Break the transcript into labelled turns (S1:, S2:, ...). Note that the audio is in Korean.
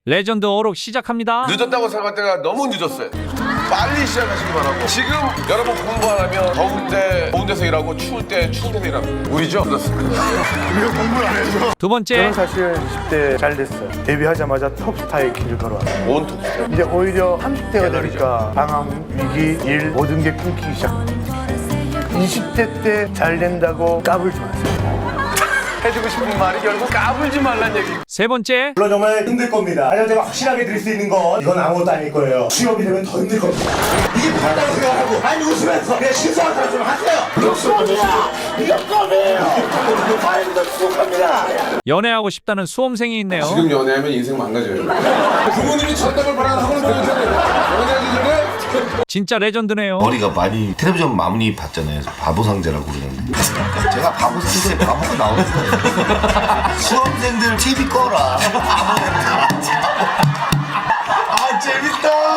S1: 레전드 어록 시작합니다.
S2: 늦었다고 생각할 때가 너무 늦었어요. 빨리 시작하시기 바라고. 지금 여러분 공부 안 하면 더울 때 더운 데서 일하고 추울 때 추운 데서 일하고. 우리죠? 그렇습니다.
S3: 우리가 공부를 안 해서.
S1: 두 번째,
S3: 저는 사실 20대 잘 됐어요. 데뷔하자마자 톱스타의 길을 걸어왔어요.
S2: 온 톱스타.
S3: 이제 오히려 30대가 되니까 방황, 위기, 일 모든 게 끊기기 시작. 20대 때 잘 된다고 까불지 마세요. 해주고 싶은 말이 결국 까불지 말란 얘기.
S1: 세 번째,
S4: 물론 정말 힘들 겁니다. 하지만 제가 확실하게 드릴 수 있는 건 이건 아무것도 아닐 거예요. 취업이 되면 더 힘들 겁니다. 이게 맞다고 생각하고 아니 웃으면서 그냥 실수한 사람 좀 하세요. 이거 수업이야! 이거 껌이에요! 아이고 수업합니다.
S1: 연애하고 싶다는 수험생이 있네요.
S2: 지금 연애하면 인생 망가져요. 부모님이 전담을 바라는 학원을 보내줘야 연애하기 전에
S1: 진짜 레전드네요.
S5: 머리가 많이 텔레비전 많이 봤잖아요. 바보 상자라고 그러는데 제가 바보 상자에 바보가 나오는 거예요. 수험생들 TV 꺼라.